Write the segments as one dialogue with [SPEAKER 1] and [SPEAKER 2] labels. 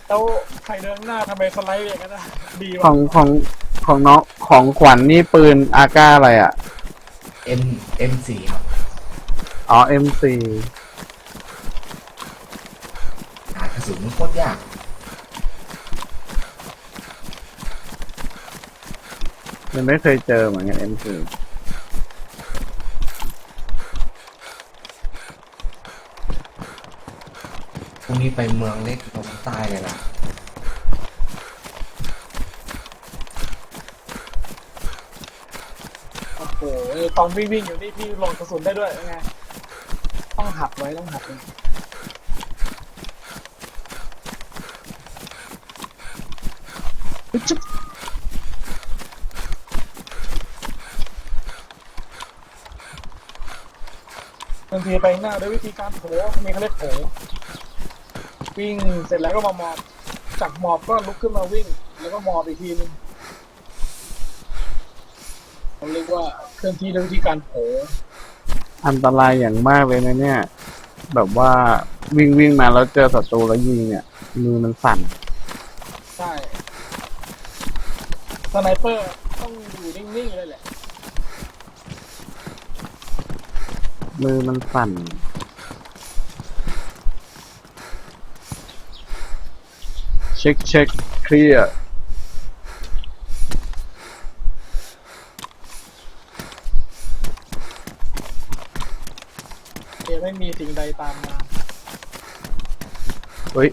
[SPEAKER 1] แล้วใครเดินหน้าทำไมสไลด์อย่างนั้นนะดี
[SPEAKER 2] ขอ
[SPEAKER 1] วะ
[SPEAKER 2] งของของน้องของขวัญนี่ปืนอาก้าอะไรอ่ะ
[SPEAKER 3] เอ็มเอ็มสี่ครับ
[SPEAKER 2] อ๋อ M4
[SPEAKER 3] หากระสุนมันโคตรยาก
[SPEAKER 2] ยังไม่เคยเจอเหมือนกัน M4
[SPEAKER 3] พรุ่งนี้ไปเมืองเล็กตรงใต้เลยล่ะ
[SPEAKER 1] โอ้โหตอนวิ่งอยู่นี่พี่โหลดกระสุนได้ด้วยยังไงต้องหักไว้ต้องหักไว้จุ๊บบางทีไปหน้าด้วยวิธีการโผมีเขาเรียกโผวิ่งเสร็จแล้วก็มาหมอบจากหมอบก็ลุกขึ้นมาวิ่ง แล้วก็หมอบอีกทีนึงเราเรียกว่าเคลื่อนที่ด้วยวิธีการโผ
[SPEAKER 2] อันตรายอย่างมากเลยนะเนี่ย แบบว่าวิ่งมาแล้วเจอศัตรูแล้วยิงเนี่ยมือมันสั่น
[SPEAKER 1] ใช่สไนเปอร์ต้องอยู่นิ่งๆเลยแหละ
[SPEAKER 2] มือมันสั่นเช็คเคลียร์
[SPEAKER 1] ไม่มีสิ่งใดตามมา
[SPEAKER 2] เฮ้ย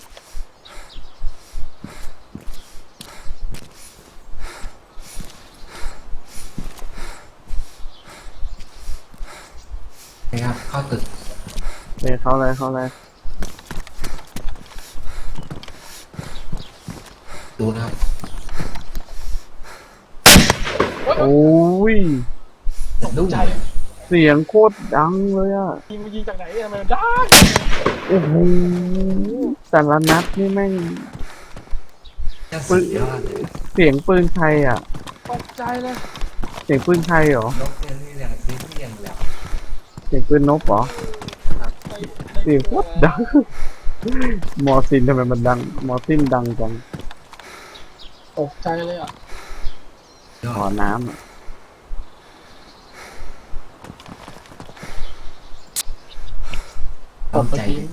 [SPEAKER 3] นะครับเข้าตึก
[SPEAKER 2] เข้าเลย
[SPEAKER 3] ดูนะครับ
[SPEAKER 2] โอ้ย
[SPEAKER 3] ดุ้ง
[SPEAKER 1] ใจ
[SPEAKER 3] เลย
[SPEAKER 2] เสียงโคตรดังเลยอ่ะ
[SPEAKER 1] ยิงจากไหนทำไมมันได้
[SPEAKER 2] โอ้โหแต่ละนัดนี่แม่ง
[SPEAKER 3] จะสุดยอดเลย
[SPEAKER 2] เสียงปืนใครอ่ะ
[SPEAKER 1] ตกใจเลย
[SPEAKER 2] เสียงปืนใครเหรอ
[SPEAKER 3] นกเนี่ยที่อย่างที่อย่างแล้ว
[SPEAKER 2] เสียงปืนนกเหรอ เสียงโคตรดัง มอร์ซินทำไมมันดัง มอร์ซินดังจัง
[SPEAKER 1] ตกใจเลยอ่ะ
[SPEAKER 3] ยอ
[SPEAKER 2] ขอ
[SPEAKER 3] ด
[SPEAKER 2] น้ำอะ
[SPEAKER 3] ต้องใจจริง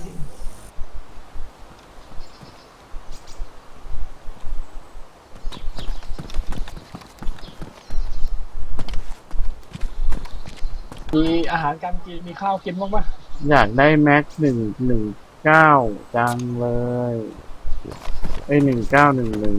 [SPEAKER 1] มีอาหารการกินมีข้าวกินบ้างปะ
[SPEAKER 2] อยากได้แม็ก119จังเลย1911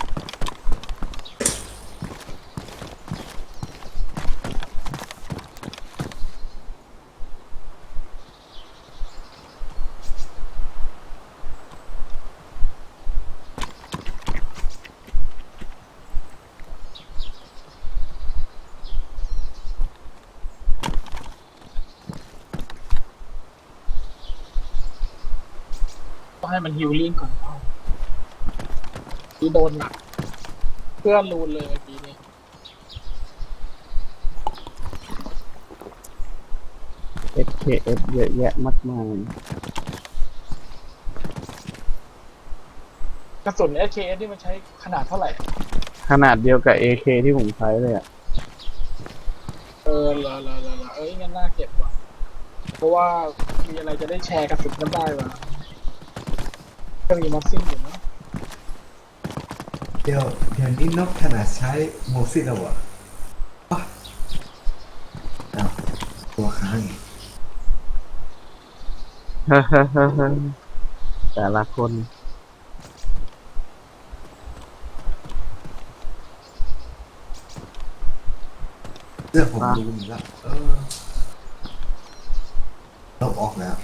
[SPEAKER 1] ต้องให้มันฮิลลิ่งก่อนเข้าที่โดนหนักเพื่อนรูนเลยเมื่อกี้นี้
[SPEAKER 2] SKS เยอะแยะมากมาย
[SPEAKER 1] กระสุน SKS นี่มันใช้ขนาดเท่าไหร่
[SPEAKER 2] ขนาดเดียวกับ AK ที่ผมใช้เลยอ่ะ
[SPEAKER 1] เหรองั้นน่าเก็บว่ะเพราะว่ามีอะไรจะได้แชร์กระสุนกันได้ว่ะก็มีม็อกซิ่งอยู่นะ
[SPEAKER 3] เดี๋ยวนี้นกขนาดใช้โมซิแล้วอ่ะอ้าวตัวค้างอีก
[SPEAKER 2] แต่ละคน
[SPEAKER 3] เสื้อผมดูนี่แล้วนกออกแล้ว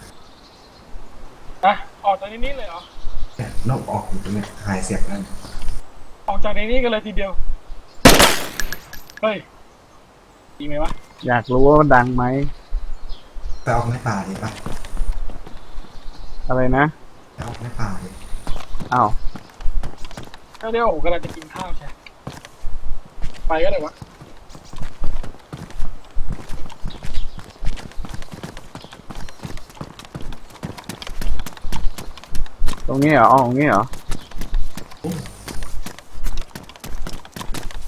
[SPEAKER 1] อ่ะออกจากในนี้เลยเหรอ
[SPEAKER 3] เนี่ยนกออกอยู่ตรงเนี้ยหายเสียงนั่น
[SPEAKER 1] ออกจากในนี้กันเลยทีเดียวเฮ้ยดีไหมวะ
[SPEAKER 2] อยากรู้ว่ามันดังไหม
[SPEAKER 3] ไปออกในป่าดีป่ะ
[SPEAKER 2] อะไรนะ
[SPEAKER 3] ไปออกในป่าดิ
[SPEAKER 2] อ้าว
[SPEAKER 1] ก็เดี๋ยวผมกำลังจะกินข้าวใช่ไปก็ได้วะ
[SPEAKER 2] ตรงนี้เหรออ๋อตรงนี้เหรอ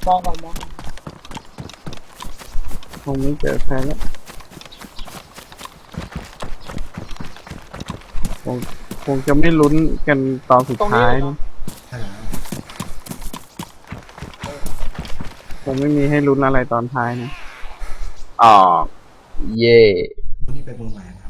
[SPEAKER 1] มองก่อนมอง
[SPEAKER 2] คงไม่เจอใครแล้วคงคงจะไม่ลุ้นกันตอนสุด
[SPEAKER 1] ตรงนี้
[SPEAKER 2] ท้าย
[SPEAKER 1] เลย
[SPEAKER 2] นะ
[SPEAKER 1] เนาะ
[SPEAKER 3] ใช่แล้ว
[SPEAKER 2] คงไม่มีให้ลุ้นอะไรตอนท้ายนะอ๋อเย่
[SPEAKER 3] วันนี้ไปเมืองใหม่นะ